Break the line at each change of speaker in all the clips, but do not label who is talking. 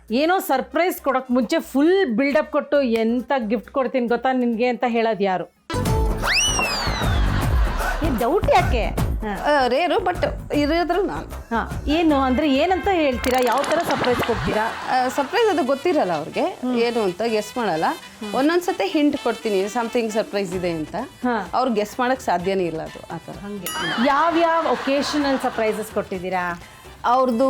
ಏನೋ ಸರ್ಪ್ರೈಸ್ ಕೊಡೋಕೆ ಮುಂಚೆ ಫುಲ್ ಬಿಲ್ಡಪ್ ಕೊಟ್ಟು ಎಂಥ ಗಿಫ್ಟ್ ಕೊಡ್ತೀನಿ ಗೊತ್ತಾ ನಿನಗೆ ಅಂತ ಹೇಳೋದು ಯಾರು? ಡೌಟ್ ಯಾಕೆ?
ರೇರು ಬಟ್ ಇರೋದ್ರು ನಾನು.
ಹಾಂ, ಏನು ಅಂದರೆ ಏನಂತ ಹೇಳ್ತೀರಾ? ಯಾವ ಥರ ಸರ್ಪ್ರೈಸ್ ಕೊಡ್ತೀರಾ?
ಸರ್ಪ್ರೈಸ್ ಅದು ಗೊತ್ತಿರಲ್ಲ ಅವ್ರಿಗೆ ಏನು ಅಂತ ಗೆಸ್ ಮಾಡಲ್ಲ. ಒಂದೊಂದ್ಸತಿ ಹಿಂಟ್ ಕೊಡ್ತೀನಿ ಸಮಥಿಂಗ್ ಸರ್ಪ್ರೈಸ್ ಇದೆ ಅಂತ. ಅವ್ರು ಗೆಸ್ ಮಾಡೋಕ್ಕೆ ಸಾಧ್ಯನೇ ಇಲ್ಲ ಅದು ಆ ಥರ.
ಹಾಗೆ ಯಾವ್ಯಾವ ಒಕೇಶನಲ್ ಸರ್ಪ್ರೈಸಸ್ ಕೊಟ್ಟಿದ್ದೀರಾ?
ಅವ್ರದ್ದು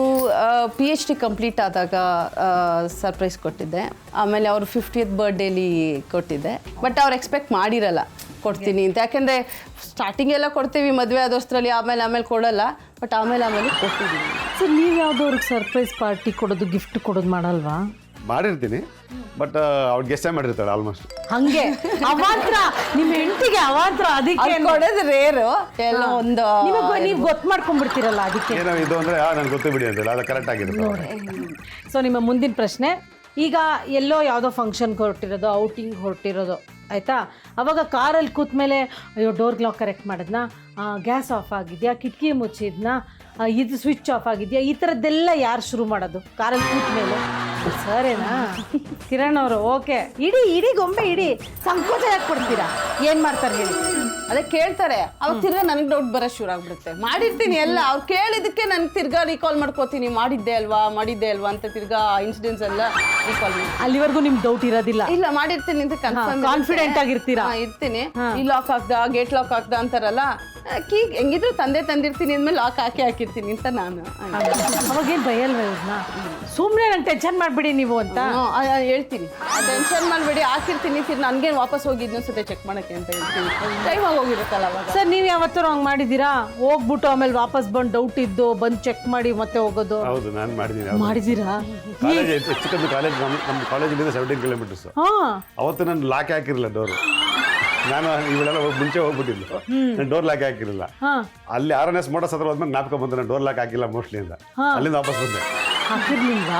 PhD ಕಂಪ್ಲೀಟ್ ಆದಾಗ ಸರ್ಪ್ರೈಸ್ ಕೊಟ್ಟಿದ್ದೆ. ಆಮೇಲೆ ಅವ್ರು 50th ಬರ್ಡೇಲಿ ಕೊಟ್ಟಿದ್ದೆ. ಬಟ್ ಅವ್ರು ಎಕ್ಸ್ಪೆಕ್ಟ್ ಮಾಡಿರಲ್ಲ ಕೊಡ್ತೀನಿ ಅಂತ. ಯಾಕೆಂದರೆ ಸ್ಟಾರ್ಟಿಂಗ್ ಎಲ್ಲ ಕೊಡ್ತೀವಿ ಮದುವೆ ಆದೋಷ್ಟರಲ್ಲಿ, ಆಮೇಲೆ ಕೊಡಲ್ಲ. ಬಟ್ ಆಮೇಲೆ ಕೊಟ್ಟಿದ್ದೀನಿ.
ಸರ್, ನೀವು ಯಾವುದವ್ರಿಗೆ ಸರ್ಪ್ರೈಸ್ ಪಾರ್ಟಿ ಕೊಡೋದು, ಗಿಫ್ಟ್ ಕೊಡೋದು ಮಾಡಲ್ವಾ?
ಮಾಡಿರ್ತೀನಿ, ಬಟ್ ಅವ್ಳು ಗೆಸ್ಸೇ ಮಾಡಿರ್ತಾಳೆ ಆಲ್ಮೋಸ್ಟ್.
ಹಂಗೆ ಅವಾಂತರ ನಿಮ್ಮ ಹೆಂಡತಿಗೆ ಅವಾಂತರ, ಅದಕ್ಕೆ
ಕೊಡೋದು ರೇರು. ಎಲ್ಲ ಒಂದು
ನೀವು ಗೊತ್ತು ಮಾಡ್ಕೊಂಡ್ಬಿಡ್ತೀರಲ್ಲ, ಅದಕ್ಕೆ
ಏನೋ ಇದು ಅಂದರೆ ನನಗೆ ಗೊತ್ತು ಬಿಡಿ ಅಂತೇಳಿ ಅದು ಕರೆಕ್ಟ್ ಆಗಿರುತ್ತೆ.
ಸೊ ನಿಮ್ಮ ಮುಂದಿನ ಪ್ರಶ್ನೆ, ಈಗ ಎಲ್ಲೋ ಯಾವುದೋ ಫಂಕ್ಷನ್ಗೆ ಹೊರಟಿರೋದು, ಔಟಿಂಗ್ ಹೊರಟಿರೋದು ಆಯಿತಾ, ಅವಾಗ ಕಾರಲ್ಲಿ ಕೂತ್ಮೇಲೆ ಅಯ್ಯೋ ಡೋರ್ ಲಾಕ್ ಕರೆಕ್ಟ್ ಮಾಡಿದ್ನಾ, ಗ್ಯಾಸ್ ಆಫ್ ಆಗಿದೆಯಾ, ಕಿಟಕಿ ಮುಚ್ಚಿದ್ನಾ, ಇದು ಸ್ವಿಚ್ ಆಫ್ ಆಗಿದೆಯಾ, ಈ ಥರದ್ದೆಲ್ಲ ಯಾರು ಶುರು ಮಾಡೋದು ಕಾರಲ್ಲಿ ಕೂತ್ಮೇಲೆ? ಸರೇನಾ ಕಿರಣ್ ಅವರು? ಓಕೆ, ಇಡೀ ಗೊಂಬೆ ಇಡೀ ಸಂಕೋಚ ಯಾಕೆ ಕೊಡ್ತೀರಾ? ಏನು ಮಾಡ್ತಾರೆ ಹೇಳಿ?
ಅದೇ ಕೇಳ್ತಾರೆ, ಅವಾಗ ತಿರ್ಗಾ ನನಗೆ ಡೌಟ್ ಬರೋ ಶುರು ಆಗ್ಬಿಡುತ್ತೆ. ಮಾಡಿರ್ತೀನಿ ಎಲ್ಲ, ಅವ್ರು ಕೇಳಿದ್ದಕ್ಕೆ ನನಗೆ ತಿರ್ಗಾ ರೀಕಾಲ್ ಮಾಡ್ಕೋತೀನಿ, ಮಾಡಿದ್ದೆ ಅಲ್ವಾ ಅಂತ ತಿರ್ಗಾ ಇನ್ಸಿಡೆಂಟ್ಸ್ ಎಲ್ಲ ರೀಕಾಲ್ ಮಾಡಿ.
ಅಲ್ಲಿವರೆಗೂ ನಿಮ್ಗೆ ಡೌಟ್ ಇರೋದಿಲ್ಲ?
ಇಲ್ಲ, ಮಾಡಿರ್ತೀನಿ ಅಂತ
ಕಾನ್ಫಿಡೆಂಟ್ ಆಗಿರ್ತೀರಾ?
ಇರ್ತೀನಿ. ಈ ಲಾಕ್ ಹಾಕ್ದ, ಗೇಟ್ ಲಾಕ್ ಹಾಕ್ದ ಅಂತಾರಲ್ಲ, ಕೀ ಹೆಂಗಿದ್ರು ತಂದಿರ್ತೀನಿ ಅಂದ್ಮೇಲೆ ಲಾಕ್ ಹಾಕಿರ್ತೀನಿ ಅಂತ ನಾನು.
ಅವಾಗೇನು ಭಯಲ್ವ ಇವ್ರನ್ನ? ಸುಮ್ಮನೆ ನಂಗೆ ಟೆನ್ಷನ್ ಮಾಡಿಬಿಡಿ ನೀವು ಅಂತ
ಹೇಳ್ತೀನಿ. ಟೆನ್ಷನ್ ಮಾಡಬೇಡಿ, ಹಾಕಿರ್ತೀನಿ, ನನಗೇನು ವಾಪಸ್ ಹೋಗಿ ಇನ್ನೊಂದ್ಸತಿ ಚೆಕ್ ಮಾಡೋಕ್ಕೆ ಅಂತ ಹೇಳ್ತೀನಿ. ಟೈಮ್ ಆಗೋಗಿರುತ್ತಲ್ಲ ಅವಾಗ.
ಸರ್, ನೀವು ಯಾವತ್ತೂ ಹಂಗೆ ಮಾಡಿದ್ದೀರಾ? ಹೋಗ್ಬಿಟ್ಟು ಆಮೇಲೆ ವಾಪಸ್ ಬಂದು ಡೌಟ್ ಇದ್ದು ಬಂದು ಚೆಕ್ ಮಾಡಿ ಮತ್ತೆ ಹೋಗೋದು?
ಹೌದು, ನಾನು ಮಾಡಿದ್ದೀನಿ.
ಮಾಡಿದ್ದೀರಾ?
ಕಾಲೇಜ್ ಹೆಚ್ಚು ಕಾಲೇಜ್, ನಮ್ಮ ಕಾಲೇಜಿಂದ 17 ಕಿಲೋಮೀಟರ್ಸ್. ಅವತ್ತು ನಾನು ಲಾಕ್ ಹಾಕಿರಲಿಲ್ಲ ಡೋರು. ನಾನು ಇವಳೆಲ್ಲ ಮುಂಚೆ ಹೋಗ್ಬಿಟ್ಟಿದ್ದು, ನಾನು ಡೋರ್ ಲಾಕ್ ಹಾಕಿರಲಿಲ್ಲ. ಅಲ್ಲಿ RNS ಮೋಟರ್ಸ್ ಹತ್ರ ಹೋದ್ಮೇಲೆ ಜ್ಞಾಪಕ ಬಂತು, ನಾನು ಡೋರ್ ಲಾಕ್ ಹಾಕಿಲ್ಲ ಮೋಸ್ಟ್ಲಿ ಅಂತ. ಅಲ್ಲಿಂದ ವಾಪಸ್ ಬಂದೆ.
ಹಾಕಿರ್ಲಿಲ್ವಾ?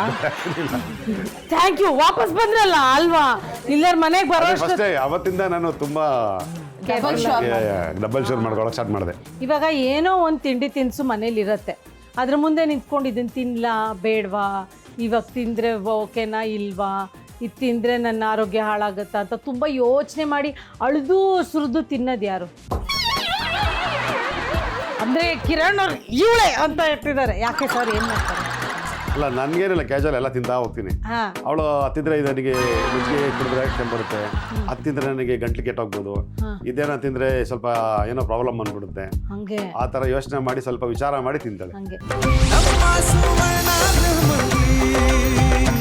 Thank you. ವಾಪಸ್ ಬಂದ್ರಲ್ಲ ಅಲ್ವಾ? ಇಲ್ಲಾರ ಮನೆಗೆ ಬರೋ
ಅಷ್ಟೇ. ಅವತ್ತಿಂದ ನಾನು ತುಂಬಾ ಡಬಲ್ ಶೋರ್ ಮಾಡ್ಕೊಳಕ್ಕೆ ಸ್ಟಾರ್ಟ್ ಮಾಡಿದೆ.
ಇವಾಗ ಏನೋ ಒಂದು ತಿಂಡಿ ತಿನಿಸು ಮನೇಲಿ ಇರುತ್ತೆ, ಅದ್ರ ಮುಂದೆ ನಿಂತ್ಕೊಂಡು ಇದನ್ನು ತಿನ್ನಲಾ ಬೇಡವಾ, ಇವಾಗ ತಿಂದರೆ ಓಕೆನಾ ಇಲ್ವಾ, ಇದು ತಿಂದರೆ ನನ್ನ ಆರೋಗ್ಯ ಹಾಳಾಗುತ್ತಾ ಅಂತ ತುಂಬ ಯೋಚನೆ ಮಾಡಿ ಅಳ್ದು ಸುರಿದು ತಿನ್ನೋದು ಯಾರು? ಅಂದರೆ ಕಿರಣ್ ಅವ್ರು ಇವಳೆ ಅಂತ ಇರ್ತಿದ್ದಾರೆ. ಯಾಕೆ ಸರ್, ಏನು ಮಾಡ್ತಾರೆ?
ಅಲ್ಲ, ನನಗೇನಿಲ್ಲ, ಕ್ಯಾಶುವಲ್ ಎಲ್ಲ ತಿಂತಾ ಹೋಗ್ತೀನಿ. ಅವಳು ಹತ್ತಿದ್ರೆ ನನಗೆ ನುಗ್ಗೆ ಕುಡಿದ್ರೆ ಕೆಮ್ಮು ಬರುತ್ತೆ, ಹತ್ತಿದ್ರೆ ನನಗೆ ಗಂಟ್ಲು ಕೆಟ್ಟೋಗ್ಬೋದು, ಇದೇನೋ ತಿಂದರೆ ಸ್ವಲ್ಪ ಏನೋ ಪ್ರಾಬ್ಲಮ್ ಬಂದ್ಬಿಡುತ್ತೆ.
ಹಂಗೆ
ಆ ಥರ ಯೋಚನೆ ಮಾಡಿ ಸ್ವಲ್ಪ ವಿಚಾರ ಮಾಡಿ ತಿಂತಾಳೆ.
ಹಂಗೆ